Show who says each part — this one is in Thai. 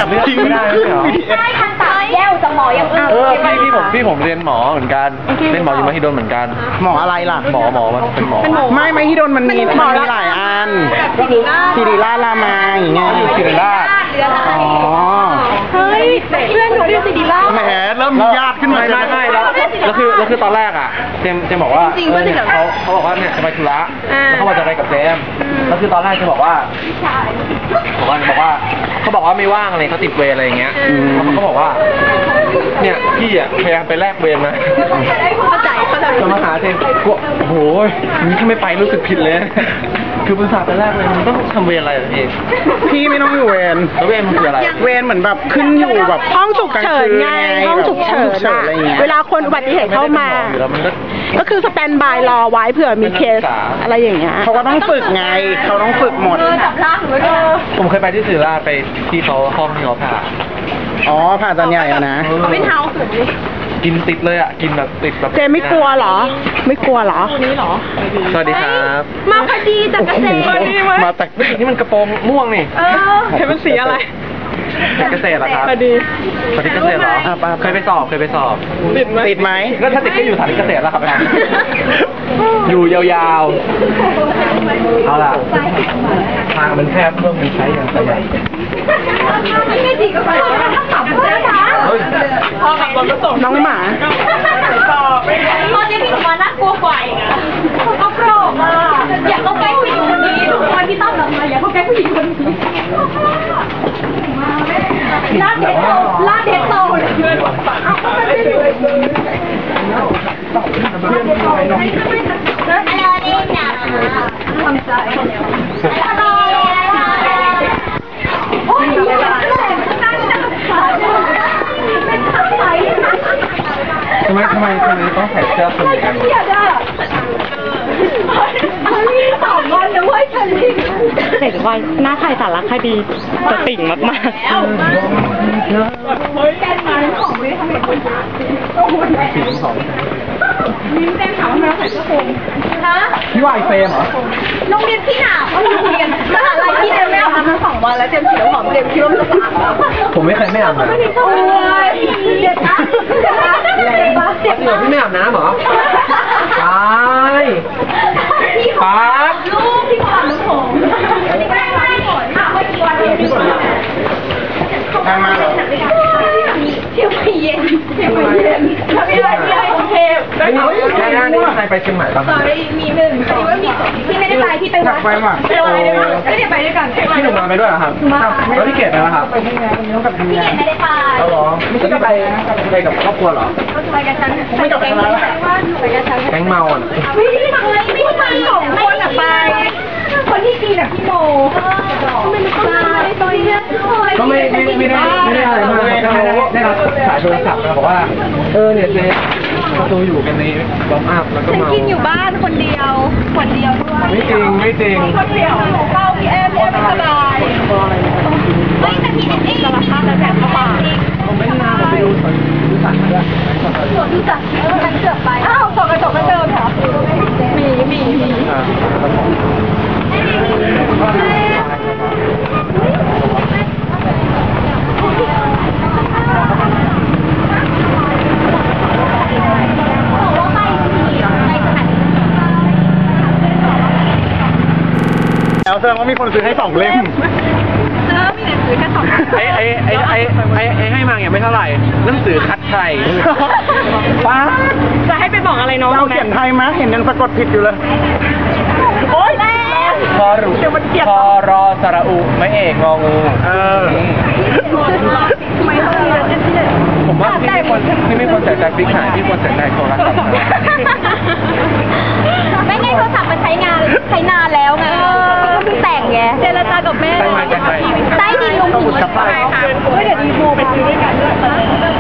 Speaker 1: จริงไม่ได้เหรอ
Speaker 2: ใช่ทันตแย่วจะหมออย่างอื่น
Speaker 1: พี่ผมเรียนหมอเหมือนกันเรียนหมออยู่มหิดลเหมือนกัน
Speaker 3: หมออะไรล่ะ
Speaker 1: หมอมันเป็นหมอ
Speaker 3: ไม่มหิดลมันมีหลายอันศิริราชรามาอย่างเงี้ย
Speaker 1: อยู่ศิริราช
Speaker 3: อ๋อ
Speaker 2: เฮ้ยเพื่อนหนูเรียนศิริราช
Speaker 3: แหมเริ่มมีญาติขึ้นมา
Speaker 1: ไม่แล้วคือตอนแรกอ่ะเจมบอกว่าเขาบอกว่าเนี่ยจะไปธุระแล้วเขาบอกจะไปกับเจมแล้วคือตอนแรกจะบอกว่าเขาบอกว่าไม่ว่างอะไรเขาติดเวรอะไรอย่างเงี้ยแล้วเขาบอกว่าเนี่ยพี่อ่ะพยายามไปแลกเวรมา
Speaker 2: เข้าใจ
Speaker 1: จะมาหาเจมโอ้โหนี่ถ้าไม่ไปรู้สึกผิดเลยคือบริษัทไปแรกเลยมันต้องทำเวรอะไร
Speaker 3: พี่ไม่ต้องอยู่เวร
Speaker 1: แล้วเวรมันคืออะไร
Speaker 3: เวรเหมือนแบบขึ้นอยู่แบบ
Speaker 4: ห้องฉุกเฉินไงห้องฉุกเฉินอะไรเงี้ยเวลาคนอุบัติเหตุเข้ามาก็คือสแตนบายรอไว้เผื่อมีเคสอะไรอย่างเงี้ย
Speaker 3: เขาก็ต้องฝึกไงเขาต้องฝึกหมด
Speaker 1: ผมเคยไปที่ศิริราชไปที่เขาห้องที่เขาผ่า
Speaker 3: อ๋อผ่าตอนใหญ่อะนะ
Speaker 2: เขาเป็นเท้าสูงดิ
Speaker 1: กินติดเลยอ่ะกินแบบติดแบบ
Speaker 4: เจไม่กลัวเหรอไม่กลัวเหรอ
Speaker 2: นี้เหรอ
Speaker 1: สวัสดีครับ
Speaker 2: มาพอดีจากเกษตร
Speaker 1: มาแต่นี่มันกระโปรงม่วงนี่
Speaker 4: เห็นมันสีอะไร
Speaker 1: เกษตรเหรอครับ
Speaker 4: พอดี
Speaker 1: เกษตรเหรอเคยไปสอบ
Speaker 3: ติดไหม
Speaker 1: ก็ถ้าติดก็อยู่สถานีเกษตรแล้วครับอยู่ยาวๆเอาล่ะทางมันแคบเพิ่มมันใช้อย่างประหยัด
Speaker 2: ไม่ได้ดีกับใครต้องขับเพื่อนนะ
Speaker 4: พอขับรถก็ส่งน้องหมา
Speaker 2: ตอนนี้พี่หนูมาน่ากลัวกว่าอีกอ่ะเขาโกรธอ่ะอยากเข้าใกล้ผู้หญิงคนนี้ทุกคนที่ต้องแบบมาอยากเข้าใกล้ผู้หญิงคนนี้ลาดเด็ดโตเพื่อนฝั่งอะไรนี่นะทำใจโอ้ย
Speaker 1: ทำไมต้องใส่เสื้อคนกัน
Speaker 2: 2 วันนะเว้ยฉันรีบ
Speaker 4: เด็กวัยหน้าใครสารคดีจะติ่งมากๆ
Speaker 2: แกนมาของไม่ทำเห็นคนโอ้โหมิ้นแกนถามว่าใส่เสื้อคลุมฮะ
Speaker 1: พี่ว่าไอเฟรมเหรอ
Speaker 2: โรงเรียนที่หนาวโรงเรียนมหาลัยที่เจมไม่อาบน้ำทั้ง2 วันแล้วเจมสีหอมเจมคิดว่ามันจะอาบ
Speaker 1: ผมไม่เคยไม่อาบน้ำ
Speaker 2: ไม่ได้โอ้ยเด็ดนะ
Speaker 1: พี่ไม่อาบน้ำเหรอตายปั๊บ
Speaker 2: ลูกพี่ก่อนลูกผมไม่หมดค่ะเมื่อกี้วันพี่ก่อน
Speaker 3: ทางมาเหรอ
Speaker 2: เที่ยวไปเย็นทำยังไงเทพ
Speaker 1: ได้ใครไปเชียงใหม่บ้าง
Speaker 2: มี1ที่ว่ามี2ที่ไม่ได้ไปที่ไปวัดไปวัดได้ไหมไม่ได้ไปด้วยกัน
Speaker 1: พี่หนุ่มมาไปด้วยเหรอครับแล้วพี่เกดไปไหมครับ
Speaker 2: พี่เกดไม่ได้ไป
Speaker 1: แล้วหรอไม่ใช่ไปกับครอบครัวเหรอ
Speaker 2: ไปกับฉันไม่กับฉันไปกับฉัน
Speaker 1: แก๊งเมาอ่ะ
Speaker 2: ไม่ได้ไป2 คนอ่ะไปคนที่กินแบบพี่โมมันไปตัวเนี้ย
Speaker 1: ก็ไม่ได้อะไรมากได้รับสายโทรศัพท์มาบอกว่าเนี่ยเจ๊เราอยู่กันในบอมอัพแล้วก็เมา
Speaker 2: กินอยู่บ้านคนเดียวด้วย
Speaker 1: ไม่จริง
Speaker 2: คนเดียวเข้าพี่แอมไม่สบายไม่แต่พี่นี่สารพัดแล้วแบบเข้ามา
Speaker 1: ผมไม่นานผมไปดูสวนสัตว์ด้วย
Speaker 2: สวนสัตว์มันเกือบไปอ้าวส่องกระจกก็เจอค่ะมี
Speaker 3: แล้วแสดงว่ามีคนซื้อให้2 เล่ม
Speaker 2: มีหนังสือแค่2
Speaker 1: ให้มาอย่างไม่เท่าไหร่หนังสือคัดไทย
Speaker 3: ป้า
Speaker 4: จะให้ไปบอกอะไรน้อง
Speaker 3: เราเขียนไทยมั้ยเห็นยังสะกดผิดอยู่เลย
Speaker 2: โอ๊ยแรง
Speaker 1: พอรอสระอุไม่เอกงองูผมว่าพี่ไม่ควรใส่ใจฟิกหายพี่ควรใส่ใจโทรศัพท์
Speaker 2: ไม่ไงโทรศัพท์มันใช้นานแล้วไงเพิ่งแต่งไงเจรจากับแม่ใต้ดินลงหิน
Speaker 1: กับไป
Speaker 2: เดี๋ยวดีโมไปซื้อด้วยกันด้วย